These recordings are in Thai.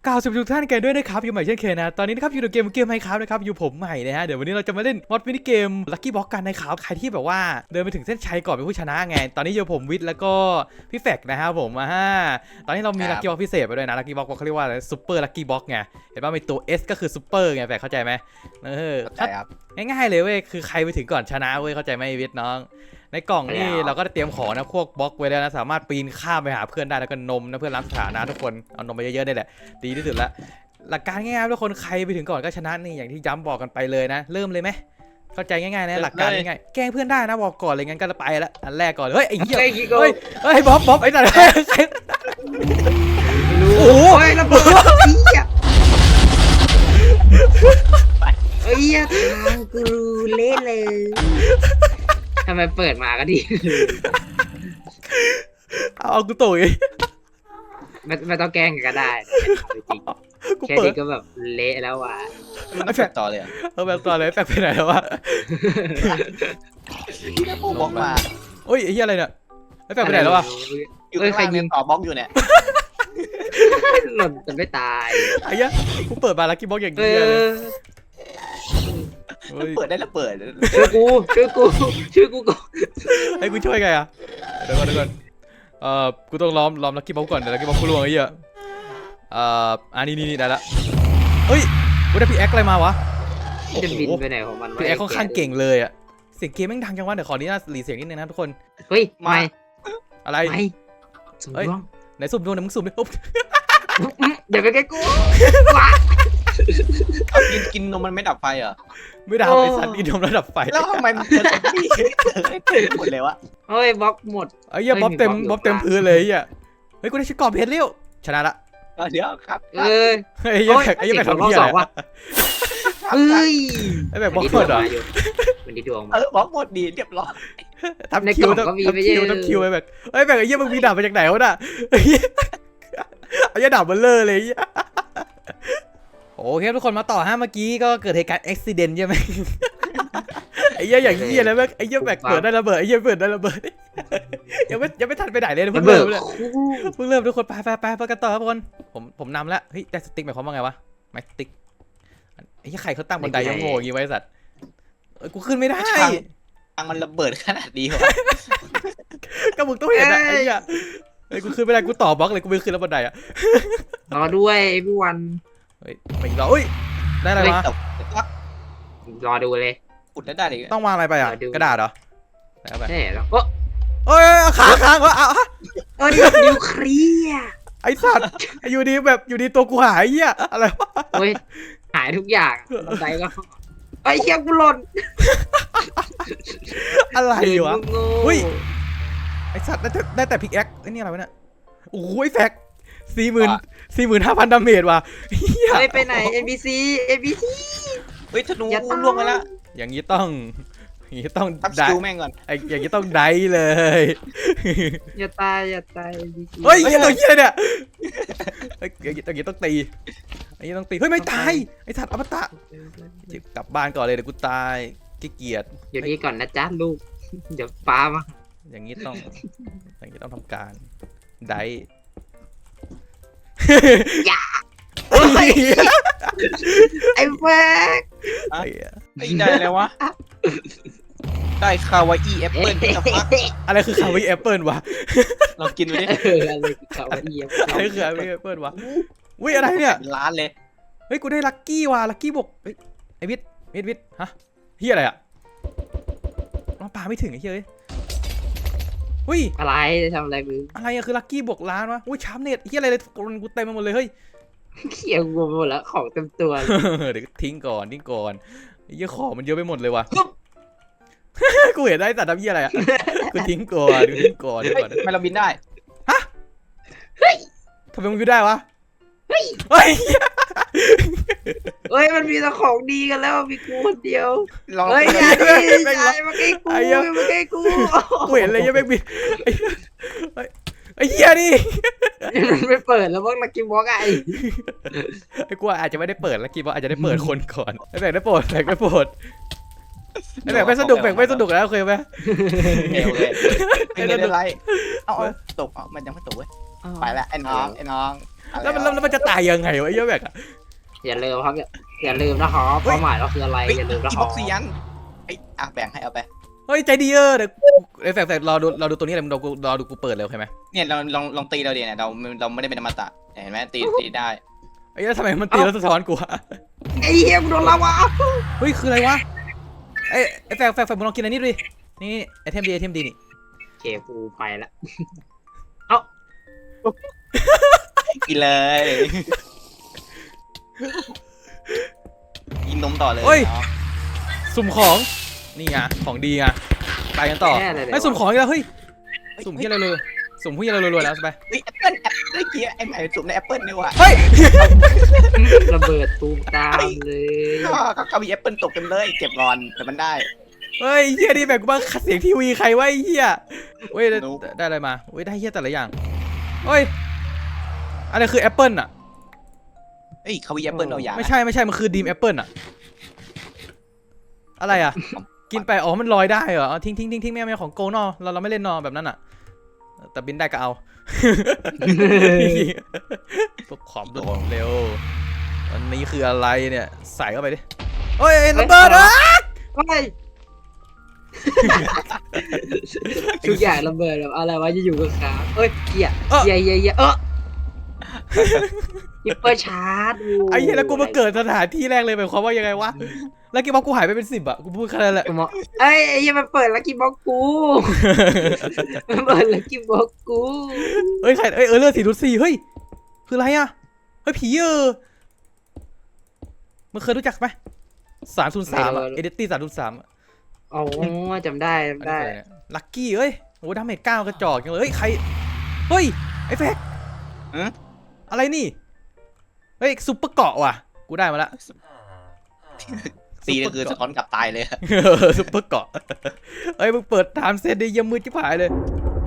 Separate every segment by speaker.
Speaker 1: กล่าวสวัสดีทุกท่านกันด้วยนะครับอยู่ใหม่เช่นเคยนะตอนนี้นะครับอยู่ในเกมไมค์ครับนะครับอยู่ผมใหม่นะฮะเดี๋ยววันนี้เราจะมาเล่นมอดมินิเกมลัคกี้บ็อกกันนะครับใครที่แบบว่าเดินไปถึงเส้นชัยก่อนเป็นผู้ชนะไงตอนนี้อยู่ผมวิทย์แล้วก็พี่แฟกนะครับผมตอนนี้เรามีลัคกี้บ็อกพิเศษไปด้วยนะลัคกี้บ็อกเขาเรียกว่าซุปเปอร์ลัคกี้บ็อกไงเห็นป่ะมีตัว S ก็คือซุปเปอร์ไงแฟกเข้าใจไหม
Speaker 2: ใช่ครับ
Speaker 1: ง่ายๆเลยเว้ยคือใครไปถึงก่อนชนะเว้ยเข้าใจไหมวิทย์น้องในกล่องนี่เราก็ได้เตรียมของนะพวกบล็อกไว้แล้วนะสามารถปีนข้ามไปหาเพื่อนได้แล้วก็นมนะเพื่อนรับสถานะทุกคนเอานมไปเยอะๆได้แหละดีที่สุดละหลักการง่ายๆทุกคนใครไปถึงก่อนก็ชนะนี่อย่างที่ย้ำบอกกันไปเลยนะเริ่มเลยไหมเข้าใจง่ายๆนะหลักการง่ายๆแกล้งเพื่อนได้นะบอกก่อนเลยงั้นก็ไปละอันแรกก่อนเฮ้ยไอ้เหี้ยเฮ้ยบ๊อบไอ้สัตว์โอ้ย
Speaker 3: ระเบิดเอ้ยทางกูเละเลยทำไมเปิดมาก็ดี
Speaker 1: เอากูตุ๋ย
Speaker 3: ไม่ต้องแกล้งกันก็ได้จริงแค่นี้ก็แบบเละแล้วว่ะ
Speaker 2: ไม่แฝงต่อเลย
Speaker 1: แบบต่อเลยแฝงไปไหนแล้ววะ
Speaker 2: พี่ได้ปูบล็อกมา
Speaker 1: โอ้ยไอ้เหี้ยอะไรเนี่ยแฝงไปไหนแล้ววะ
Speaker 2: อยู่ใครยิงต่อบล็อกอยู่เนี่ย
Speaker 3: หล่นจะไม่ตาย
Speaker 1: ไอ้เหี้ยกูเปิดมาลัคกี้บ็อกอย่างเงี้ย
Speaker 2: เปิดได้แล้วเปิด
Speaker 3: ชื่อกูก่อน
Speaker 1: ให้กูช่วยไงอ่ะเดี๋ยวก่อนกูต้องล้อมลัคกี้บ็อกก่อนเดี๋ยวลัคกี้บ็อกกูล่วงไอ้เหี้ยนี่ได้ละเฮ้ยกูได้พี่แอ็กอะไรมาวะ
Speaker 3: จะบินไปไหนของมัน
Speaker 1: พี่แอ็กค่อนข้างเก่งเลยอ่ะเสียงเกมแม่งดังจังวะเดี๋ยวขอนี้นะหลีเสียงนิดนึงนะทุกคน
Speaker 3: เฮ้ยไม่
Speaker 1: อะไร
Speaker 3: เฮ้ย
Speaker 1: ไหนสุ่มดวงไหนมึงสุ่มดิ
Speaker 3: เดี๋ยวไปใกล้กู
Speaker 2: กินนมมันไม่ดับไฟเหรอ
Speaker 1: ไม่ดับไอ้สัตว์กินนมแล้วดับไฟ
Speaker 2: แล้วทำไมมันเจอพี่หมดเลยวะ
Speaker 3: เฮ้ยบล็อกหมด
Speaker 1: ไอ้เหี้ยบ๊อบเต็มพื้นเลยไอ้เหี้ยเฮ้ยกูได้ชิคกอบเพชรเลี้ยวชนะละ
Speaker 2: เดี๋ยวครับ
Speaker 1: ไอ้เหี้ยแบบทำเหี้ยอะไร
Speaker 3: เฮ้ย
Speaker 1: ไอ้แบบบล็อกหมดเหรอ
Speaker 3: มันดีดวง
Speaker 2: บล็อกหมดดีเรียบร้อย
Speaker 1: ทำคิวไอ้แบบไอ้แบบไอ้เหี้ยมึงมีดาบมาจากไหนวะน่ะไอ้เหี้ยดาบเบลเลอร์เลยโอเคทุกคนมาต่อเมื่อกี้ก็เกิดเหตุการณ์อุบิเหตุใช่ไหมไอ้เหี้ยอย่างเหี้ยแล้วไอ้เหี้ยแบบเปิดได้ระเบิดไอ้เหี้ยเปิดได้ระเบิดยังไม่ทันไปไหนเลยเพิ่งเริ่มทุกคนไปกันต่อครับทุกคนผมนำแล้วเฮ้ยได้สติ๊กหมายความว่าไงวะไม้สติ๊กไอ้เหี้ยใครเขาตั้งบันไดยังโง่อย่างงี้ไว้สัตว์กูขึ้นไม่ได้
Speaker 2: ทางมันระเบิดขนาดนี้เหรอ
Speaker 1: ก็มึงต้องเห็นนะไอ้เหี้ยไอ้กูขึ้นไม่ได้กูต่อบล็อกเลยกูไม่ขึ้นแล้วบันไดอะ
Speaker 3: รอด้วยพี่วัน
Speaker 1: เฮ้ยไปรอเฮ้ยได้อะไรวะ
Speaker 3: รอดูเลย
Speaker 2: อุดได้เลย
Speaker 1: ต้องวางอะไรไปอ่ะกระดาษเหรอ
Speaker 3: ใช่แล้ว
Speaker 1: เอ้ยค้างวะ
Speaker 3: นิวเคลียร์
Speaker 1: ไอ้สัตว์อยู่ดีแบบอยู่ดีตัวกูหายเหี้ยอะไรวะ
Speaker 3: เฮ้ยหายทุกอย่างบันไดก็ไอ้เหี้ยกูหล่น
Speaker 1: อะไรวะอุ้ยไอ้สัตว์ได้แต่พิกแอคไอ้นี่อะไรวะเนี่ยโอ้ยแฟก45,000 ดาเมจว่ะ
Speaker 3: เฮ้ยไปไหน NPC
Speaker 2: เฮ้ยธนูล่วงไปแล้ว
Speaker 1: อย่างนี้ต้อง
Speaker 2: ได้แม่งก่อน
Speaker 1: อย่างนี้ต้องได้เลย
Speaker 3: อย่าตาย
Speaker 1: เฮ้ยตัวเหี้ยเนี่ยอย่างนี้ต้องตีเฮ้ยไม่ตายไอ้สัตว์อมตะกลับบ้านก่อนเลยเดี๋ยวกูตายขี้เกียจ
Speaker 3: อยู่นี่ก่อนนะจ๊ะลูกเดี๋ยวป้ามา
Speaker 1: อย่างนี้ต้องทำการได้
Speaker 3: อย่าไอ้แฟก
Speaker 2: ได้แล้ววะได้คาวาอี้แอปเปิ้ล
Speaker 1: อะไรคือคาวาอี้แอปเปิ้ลวะ
Speaker 2: ลองกินดูดิ
Speaker 3: อะไรคือคาวาอี้แอป
Speaker 1: เปิ้ลวะอุ้ยอะไรเนี่ย
Speaker 2: ร้านเลย
Speaker 1: เฮ้ยกูได้ลัคกี้ว่ะลัคกี้บวกไอ้วิทฮะเฮียอะไรอ่ะเราปาไม่ถึงไอ้เฮ้ยอุ้ย
Speaker 3: อะไรทำอะไรมึง
Speaker 1: อะไรอะคือลัคกี้บวกล้านวะอุ้ยชาร์ปเน็ตเฮียอะไรเลยกูเต็มไปหมดเลยเฮ้ย
Speaker 3: เขี่ยกูหมดแล้วของเต็มตัว
Speaker 1: เดี๋ยวทิ้งก่อนไอ้เหี้ยของมันเยอะไปหมดเลยว่ะกูเห็นได้แต่ทำเหี้ยอะไรอ่ะกูทิ้งก่อน
Speaker 2: ไม่เราบินได้
Speaker 1: ฮะทำไมมึงบินได้วะ
Speaker 3: เฮ้ยมันมีแต่ของดีกันแล้วมีกูคนเดียวเฮ้ยอย่ามาใกล้กู
Speaker 1: กูเห็นเลยยังไม่บินไอ้เหี้ยนี่
Speaker 3: ไม่เปิดแล้วพวกนักกินบล็อก
Speaker 1: ไอ้กูอาจจะไม่ได้เปิดแล้วกินบล็อกอาจจะได้เปิดคนก่อนไอ้แบกได้โปรดไอ้แบกไม่สนุกแล้วเคยไหม
Speaker 2: ไม่ได้ไรเอาตกมันยังไม่ตกเว้ยไปแล้วไอ้น้อง
Speaker 1: แล้วมันจะตายยังไงวะไอ้เหี้ยแบกอะ
Speaker 3: อย่าลืมครับอย่าลืมนะครับเป้าหมายเราคืออะไร
Speaker 2: เฮ้ย
Speaker 3: อย่าลืมนะ
Speaker 2: อี
Speaker 3: ค
Speaker 2: บ็
Speaker 3: รั
Speaker 2: อบ กเซียนไอ้แบ่งให้เอาไป
Speaker 1: เฮ้ยใจดีเดี๋ยวไอ้แฝกรอดูตัวนี้เลยมึงรอดูกูเปิดเลยโอเคไหม
Speaker 2: เนี่ยเราลองตีเราเดี๋ยวเนี่ยเราไม่ได้เป็นอมตะเห็นไหมตีได้
Speaker 1: ไอ้เหี้ยทำไมมันตีแล้วสะท้อนกูอะ
Speaker 3: ไอ้เหี้ยกูโดนลาวา
Speaker 1: เฮ้ยคืออะไรวะไอ้แฝกมึงลองกินอันนี้ดูดินี่ไอเทมดีนี่
Speaker 3: โอเคกูไปละ
Speaker 2: กินเลยกินนมต่อเลย
Speaker 1: สุ่มของนี่ไงของดีไงไปกันต่อไม่สุ่มของอีกแล้วเฮ้ยสุ่มที่อะไรเลยสุ่มที่อะไรรวยๆแล้วไป
Speaker 2: เฮ้ยแอปเปิ้ลเมื่อกี้ไอ้ใหม่สุ่มในแอปเปิ้ลนี่ว่ะ
Speaker 1: เฮ้ย
Speaker 3: ระเบิดตูมตามเลย
Speaker 2: ก็มีแอปเปิ้ลตกเต็มเลยเก็บรอนแต่มันได้
Speaker 1: เฮ้ยเฮียนี่แบบกูบ้าเสียงทีวีใครวะไอ้เฮียเฮ้ยได้อะไรมาเฮ้ยได้เฮียแต่ละอย่างเฮ้ยอะไรคือแอปเปิลอะ
Speaker 2: เฮ้ยเขามีแอปเปิ้ลเอาอย่าง
Speaker 1: ไม่ใช่มันคือดีมแอปเปิลอะอะไรอะกินไปอ๋อมันลอยได้เหรอทิ้งไม่เอาของโกนอเราไม่เล่นนอแบบนั้นอะแต่บินได้ก็เอาพวกขอมรวดเร็วอันนี้คืออะไรเนี่ยใส่เข้าไปดิเฮ้ยระเบิดอ่ะ
Speaker 3: ไปทุกอย่างระเบิดแบบอะไรวะจะอยู่กับขาเอ้ยเหี้ยฮิปเปอร์ชาร์จ
Speaker 1: ไอ้เหี้ยแล้วกูมาเกิดสถานที่แรกเลยหมายความว่ายังไงวะแล้วกี่บอกกูหายไปเป็น10อะกูพูดแค่นั้นแหละ
Speaker 3: ไอ้ยังมันเปิดลักกี้บ็อกกูมันเปิดลักกี้บ็อกกู
Speaker 1: เฮ้ยใครเลือด4.4เฮ้ยคืออะไรอะเฮ้ยผีมึงเคยรู้จักไหม303อะเอเดตี้303
Speaker 3: อ๋อจำได้
Speaker 1: ลัคกี้เอ้ยโอ้ดาเมจ9กระจอกจังเลยเฮ้ยใครเฮ้ยไอ้แฟกอะไรนี่เฮ้ยซุปเปอร์เกาะว่ะกูได้มาละ
Speaker 2: ตีก็คือสะท้อนกลับตายเลย
Speaker 1: ซุปเปอร์เกาะเฮ้ยมึงเปิดไทม์เซตได้ยังมืดชิบหายเลย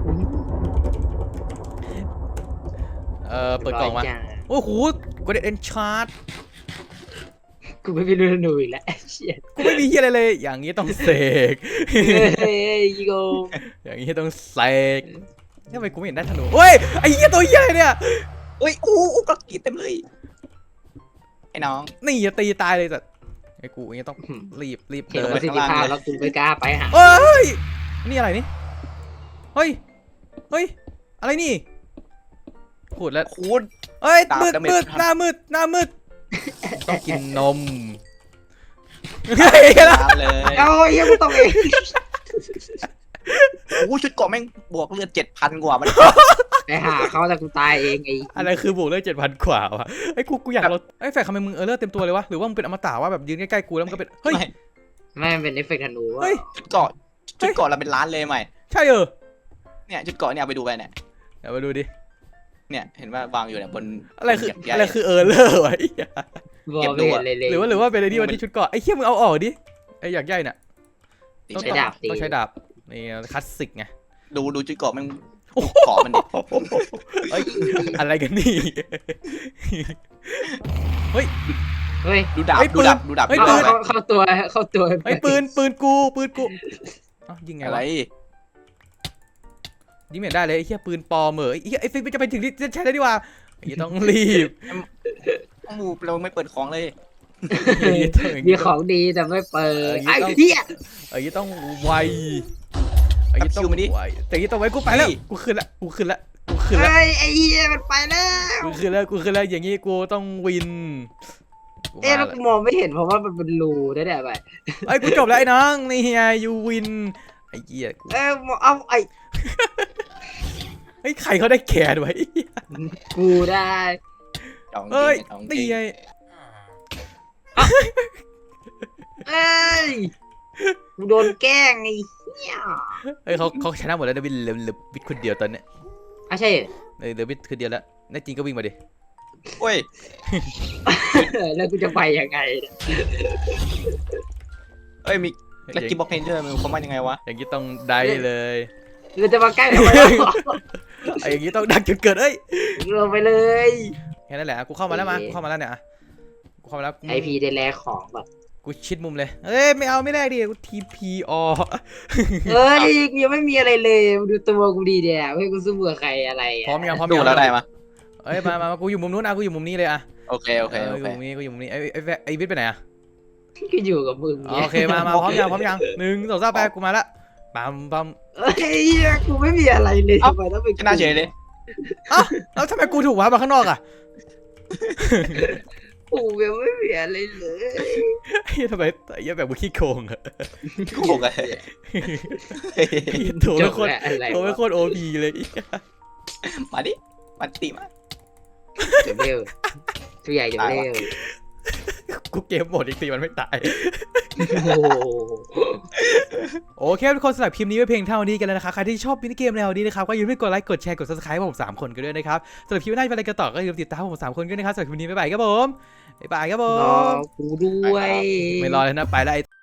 Speaker 1: เปิดกล่องมาโอ้โหกูได้เอ็นชาร์ด
Speaker 3: กูไม่รู้หนูอีกแล้วเชี่ย
Speaker 1: กูไม่มีเฮียอะไรเลยอย่างนี้ต้องเสก
Speaker 3: เฮ้ยยิโก
Speaker 1: อย่างนี้ต้องเสกทำไมกูไม่เห็นได้ธนูเฮ้ยไอ้เหี้ยตัวเหี้ยอะไรเนี่ย
Speaker 2: เฮ้ยก็กรีดเต็มเลยไอ้น้อง
Speaker 1: นี่อย่าตีตายเลยแต่ไอ้กูอย่างนี้ต้องรีบ
Speaker 3: เห็น
Speaker 1: เดิน
Speaker 3: ประสิทธิภาพแล้วกูไม่กล้าไปหา
Speaker 1: เฮ้ยนี่อะไรนี่เฮ้ยอะไรนี่พูดแล้ว
Speaker 2: คูณ
Speaker 1: เฮ้ยมืดหน้ามืดต้องกินนมเฮ้ย
Speaker 2: เลย
Speaker 3: เอาเฮียกูตกเอง
Speaker 2: ชุดเกาะแม่งบวกเลือด 7,000 กว่ามัน
Speaker 3: ไปหาเขาแต่กูตายเองไอ้
Speaker 1: อะไรคือบวกเลือด7,000 กว่าวะไอ้กูอยากเราไอ้แฝกทำไมมึงเลือดเต็มตัวเลยวะหรือว่ามึงเป็นอมตะว่าแบบยืนใกล้ๆกูแล้วมันก็เป็นเฮ้ย
Speaker 3: ไม่เป็นเอฟเฟกต์ธนูว่า
Speaker 2: ชุดเกาะเราเป็นล้านเลยใหม่
Speaker 1: ใช่
Speaker 2: เนี่ยชุดเกาะเนี่ยไปดูไปเนี่ย
Speaker 1: เดี๋ยวมาดูดิ
Speaker 2: เนี่ยเห็นว่าวางอยู่เนี่ยบน
Speaker 1: อะไรคือเลอร์วะ
Speaker 3: บอกไม่เห็นเลย
Speaker 1: หรือว่าเป็นไอ้นี่วันที่ชุดเกาะไอ้เขี้ยมึงเอาออกดิไอ้อยากใหญ่น่ะ
Speaker 3: ใช้ดาบตี
Speaker 1: ต้องใช้ดาบนี่คลาสสิกไง
Speaker 2: ดูชุดเกาะมันเกาะมันดิ
Speaker 1: เอ้ยอะไรกันนี่เฮ้ย
Speaker 2: ดูดาบ
Speaker 3: เข้าตัว
Speaker 1: ไอ้ปืนกูยิงไง
Speaker 2: อะไร
Speaker 1: ยิงไม่ได้เลยไอ้เหี้ยปืนปลอมเหรอไอ้ฟิกจะไปถึงที่ใช้ได้ดีกว่าไอ้ต้องรีบ
Speaker 2: เราไม่เปิดของเลย
Speaker 3: มีของดีแต่ไม่เปิดไอ้เหี้ย
Speaker 1: ไอ้ต้องไวไอ้ต้องไวแต่ยี่ต้องไวกูไปแล้วกูขึ้นละ
Speaker 3: ไอ้เหี้ยมันไปแล้ว
Speaker 1: กูขึ้นแล้วอย่างงี้กูต้องวิน
Speaker 3: แล้วกูมองไม่เห็นเพราะว่ามันเป็นรูได้ไป
Speaker 1: ไอ้กูจบแล้วไอ้น้องนี่ไงยูวินไอ้เหี้ยกู
Speaker 3: เอาไอ้
Speaker 1: ใครเขาได้แขนไว้
Speaker 3: กูได้
Speaker 1: เอ้ยตีไง
Speaker 3: กูโดนแกล้งไอ้เหี้ย
Speaker 1: เขาชนะหมดแล้วนะวินเหลือวิทคนเดียวตอนเนี้ย
Speaker 3: ใช่
Speaker 1: เหลือวิทคนเดียวแล้วแน่จริงก็วิ่งมาดิ
Speaker 2: โอ้ย
Speaker 3: แล้วกูจะไปยังไง
Speaker 2: เอ้ยมีลักกี้บ็อกเพนเจอร์มันเขามายังไงวะ
Speaker 1: อย่างนี้ต้องได้เลย
Speaker 3: เราจะมาใกล้ทำไม
Speaker 1: ไอ้อย่างนี้ต้องดักจนเกิด
Speaker 3: ลงไปเลย
Speaker 1: แค่นั้นแหละกูเข้ามาแล้วเนี่ยกูเข้ามาแล้ว
Speaker 3: ไอพีได้แลกของแบบ
Speaker 1: กูกูชิดมุมเลยเอ้ยไม่เอาไม่แลกดิกู TPO
Speaker 3: เฮ้ยกูยังไม่มีอะไรเลยดูตัวกูดีเดียวเฮ้ยกูสู้กับใครอะไร
Speaker 1: พร้อมยังพร้อม
Speaker 2: ดู
Speaker 1: ยัง
Speaker 2: แล้วได้มา
Speaker 1: เอ้ยมากูอยู่มุมนู้นอ่ะกูอยู่มุมนี้เลยอ่ะ
Speaker 2: โอเคโอเคโอ
Speaker 1: กูอ
Speaker 2: เค
Speaker 1: ยู่มุมนี้กูอยู่มุมนี้ไอ้วิทย์ไปไหนอ่ะ
Speaker 3: ก็อยู่กับมึง
Speaker 1: โอเคมาพร้อมยัง1 2 3ไปกูมาละปั๊ม
Speaker 3: เฮ้ยกูไม่มีอะไรเลยทำไมต้องเป็น
Speaker 2: ชนะเฉยเลย
Speaker 1: อ้าวแล้วทำไมกูถูกวะมาข้างนอกอ่ะ
Speaker 3: กูยังไม่มีอะไรเลย
Speaker 1: ไอ้ทำไมไอ้แบบกูขี้โกงอะ
Speaker 2: โกงไง
Speaker 1: โถเป็นคน
Speaker 3: อะไร
Speaker 1: โถเป็นคนโอพีเลย
Speaker 2: มาดิมาติมา
Speaker 3: เดี๋ยวเร็วตัวใหญ่เดี๋ยวเร็ว
Speaker 1: กูเกมหมดอีกทีมันไม่ตาย
Speaker 3: โอ้โห
Speaker 1: โอเคทุกคนสำหรับคลิปนี้ไว้เพียงเท่านี้กันแล้วนะครับใครที่ชอบมินิเกมแนวนี้นะครับก็อย่าลืมกดไลค์กดแชร์กด subscribe ให้ผม3คนกันด้วยนะครับสำหรับคลิปหน้าจะเป็นอะไรกันต่อก็อย่าลืมติดตามผม3คนด้วยนะครับสำหรับคลิปนี้บ๊ายบายครับผมบ๊ายบายครับผ
Speaker 3: รอ
Speaker 1: ม
Speaker 3: กูด้วย
Speaker 1: ไม่รอเลยนะไปแล้ว